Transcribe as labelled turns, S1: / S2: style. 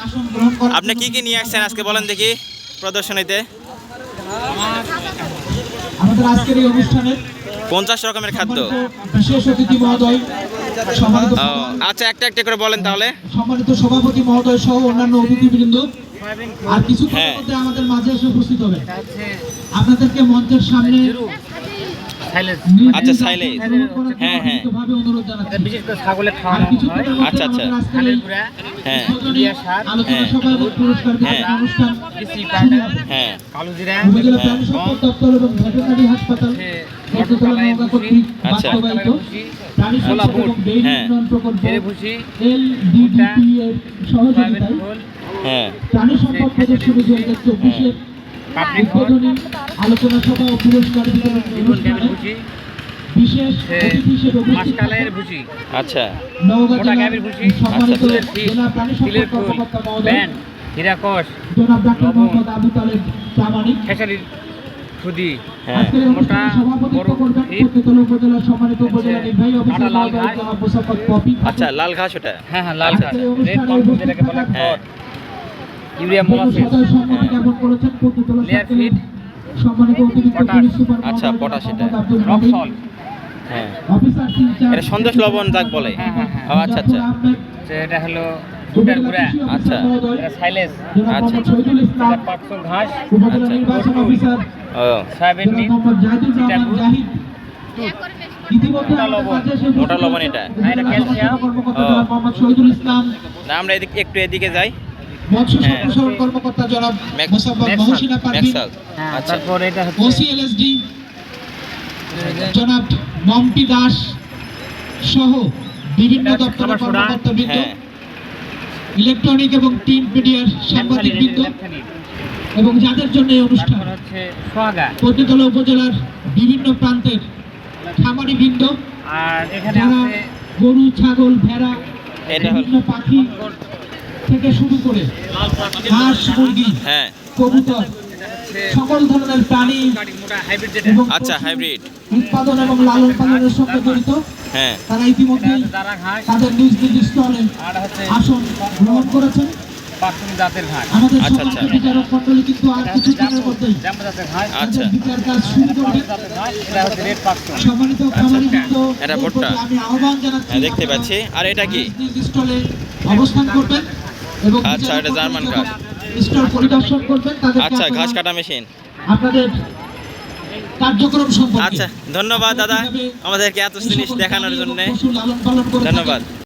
S1: আপনি কি কি নিয়ে আসছেন আজকে বলেন দেখি প্রদর্শনীতে?
S2: আমাদের আজকের এই অনুষ্ঠানে
S1: 50 রকমের খাদ্য।
S2: বিশেষ অতিথি মহোদয়, সম্মানিত
S1: আচ্ছা, একটা একটা করে বলেন তাহলে।
S2: সম্মানিত সভাপতি মহোদয় সহ অন্যান্য অতিথিবৃন্দ আর কিছুক্ষণের মধ্যে আমাদের মাঝে এসে উপস্থিত হবে। আপনাদেরকে মঞ্চের সামনে
S1: আচ্ছা, সাইলেজ। হ্যাঁ হ্যাঁ,
S2: অনুরোধ জানাচ্ছি।
S3: বিশেষ করে ছাগলের খাওয়ানো হয়।
S1: আচ্ছা আচ্ছা, হ্যাঁ
S2: আলোচনা সভা এবং পুরস্কার বিতরণ অনুষ্ঠান
S1: হ্যাঁ
S3: কালোজিরা,
S2: উপজেলা প্রাণী সম্পদ দপ্তর এবং ভেটেরিনারি হাসপাতাল পর্যটন নওগাঁ কর্তৃক
S1: আচ্ছা।
S2: বাস্তবায়িত প্রাণী সম্পদ এবং ডেইরি
S1: হ্যাঁ।
S2: উন্নয়ন প্রকল্প
S3: ভুসি,
S2: LDDP এর সহযোগিতায়
S1: হ্যাঁ
S2: প্রাণী সম্পদ প্রদর্শনী 2024 এর উদ্বোধনী আলোচনা সভা ও পুরস্কার বিতরণ অনুষ্ঠানে
S3: ভুসি,
S2: বিশেষ অতিথি হিসেবে উপস্থিত
S3: মাসকালের ভুসি,
S1: আচ্ছা
S2: নওগাঁ
S3: মোটা
S2: জেলার
S3: গাভীর ভুসি,
S2: সম্মানিত
S3: ফুলের ফিস,
S2: জেলা প্রাণী
S3: তিলের
S2: সম্পদ
S3: ফুল,
S2: কর্মকর্তা মহোদয়
S3: ব্যান, হীরাকস,
S2: জনাব ডাক্তার
S3: লবণ,
S2: মোহাম্মদ আবু তালেব প্রামাণিক
S3: খেসারির সুদি,
S1: হ্যাঁ
S2: আজকের এই অনুষ্ঠানে
S3: মোটা
S2: সভাপতিত্ব
S3: বড়
S2: করবেন
S3: ফিট,
S2: পতিতলা উপজেলার সম্মানিত উপজেলা নির্বাহী অফিসার
S3: কাটা লাল
S2: মহোদয়
S3: ঘাস।
S2: জনাব মোসাফফর পপি।
S1: আচ্ছা, লাল ঘাস ওটা।
S3: হ্যাঁ হ্যাঁ লাল
S1: আচ্ছা,
S3: ঘাস,
S2: আজকের এই
S3: রেড
S2: অনুষ্ঠানে
S3: কম্পোজ
S2: উপস্থিত
S3: যেটাকে বলে
S2: থাকা
S3: খড়, ইউরিয়া
S2: বিভিন্ন
S3: মোলাসিস,
S2: সদয় সম্মানী জ্ঞাপন করেছেন পতিতলা
S3: লেয়ার
S2: সার্কেলের
S3: ফিট,
S2: সম্মানিত অতিরিক্ত
S3: পটাশ।
S2: পুলিশ সুপার
S1: আচ্ছা,
S2: মহোদয়
S1: পটাশ
S2: জনাব
S1: এটা।
S2: মোহাম্মদ আব্দুল হামিদ,
S3: রক্সল,
S1: হ্যাঁ,
S2: অফিসার ইনচার্জ
S1: এটা সন্দেশ লবণ যাক বলে।
S3: হ্যাঁ হ্যাঁ হ্যাঁ,
S1: ও আচ্ছা আচ্ছা,
S2: জাফর আহমেদ,
S3: এটা হলো দুটার
S2: উপজেলা
S3: গুঁড়া,
S2: কৃষি অফিসার
S1: আচ্ছা।
S2: মহোদয়
S3: এটা সাইলেজ,
S2: জনাব
S1: আচ্ছা।
S2: মোহাম্মদ শহীদুল ইসলাম,
S3: এটা পাকসল ঘাস,
S2: উপজেলা
S1: আচ্ছা।
S2: নির্বাচন অফিসার
S1: ও
S3: সয়াবিন
S2: জনাব
S3: মিট,
S2: মোহাম্মদ জাহিদুর রহমান
S3: চিটাগুড়,
S2: জাহিদ। ইতিমধ্যে
S3: মোটা
S2: আমাদের
S3: লবণ।
S2: মাঝে এসে উপস্থিত
S1: মোটা লবণ
S2: আছেন
S1: এটা।
S3: হ্যাঁ, এটা ক্যালসিয়াম।
S2: কর্মকর্তা
S1: ও।
S2: জনাব মোহাম্মদ শহীদুল ইসলাম,
S1: না, আমরা একটু এদিকে যাই।
S2: মৎস্য
S1: হ্যাঁ।
S2: সম্প্রসারণ কর্মকর্তা জনাব
S1: ম্যাক-
S2: মোসাম্মদ
S3: ম্যাক্সাল।
S2: মহসিনা পারভিন,
S1: ম্যাক্সাল।
S3: হ্যাঁ,
S1: আচ্ছা,
S3: তারপর এটা হচ্ছে
S2: ওসিএলএসডি জনাব মম্পি দাস সহ বিভিন্ন
S3: এটা
S2: দপ্তরের
S3: খাবার সোডা।
S2: কর্মকর্তাবৃন্দ,
S1: হ্যাঁ
S2: ইলেকট্রনিক এবং প্রিন্ট মিডিয়ার সাংবাদিকবৃন্দ
S3: ল্যাপথালিন,
S2: এবং যাদের জন্য এই অনুষ্ঠান
S3: তারপর হচ্ছে সোহাগা,
S2: পতিতলা উপজেলার বিভিন্ন প্রান্তের খামারিবৃন্দ,
S3: আর এখানে
S2: যারা
S3: আছে
S2: গরু ছাগল ভেড়া
S1: এটা হল-
S2: বিভিন্ন পাখি থেকে শুরু করে হাঁস মুরগি
S1: হ্যাঁ
S2: কবুতর
S3: এটা হচ্ছে
S2: সকল ধরনের প্রাণী
S3: মোটা হাইব্রিড যেটা,
S2: এবং
S1: আচ্ছা,
S2: পশু
S1: হাইব্রিড।
S2: উৎপাদন এবং লালন পালনের সঙ্গে জড়িত
S1: হ্যাঁ
S2: তারা
S3: এটা
S2: ইতিমধ্যে
S3: হচ্ছে দারা ঘাস,
S2: তাদের নিজ নিজ স্থলে
S3: আর হচ্ছে
S2: আসন গ্রহণ করেছেন।
S3: পাকসল জাতের ঘাস,
S2: আমাদের
S1: আচ্ছা,
S2: সম্মানিত
S1: আচ্ছা।
S2: বিচারক মন্ডলী কিন্তু আর
S3: এটা হচ্ছে
S2: কিছুক্ষণের মধ্যেই
S3: জাম্বো জাতের ঘাস,
S1: আচ্ছা।
S2: তাদের বিচার কাজ শুরু করবেন।
S3: জাতের ঘাস, এটা হচ্ছে রেড পাকসল,
S2: সম্মানিত খামারিবৃন্দ,
S1: এটা
S2: এর
S1: ভুট্টা।
S2: প্রতি আমি আহ্বান জানাচ্ছি
S1: হ্যাঁ, দেখতে পাচ্ছি। আর এটা কি?
S2: নিজ নিজ স্টলে অবস্থান করবেন এবং
S1: আচ্ছা,
S2: বিচারক
S1: এটা জার্মান
S2: মন্ডলী
S1: ঘাস।
S2: যখন স্টল পরিদর্শন করবেন তাদেরকে
S1: আচ্ছা, ঘাস
S2: আপনারা
S1: কাটা মেশিন।
S2: আপনাদের কার্যক্রম সম্পর্কে
S1: আচ্ছা, ধন্যবাদ দাদা আমাদেরকে এত জিনিস দেখানোর জন্য।
S2: পশু লালন পালন করে থাকেন,
S1: ধন্যবাদ।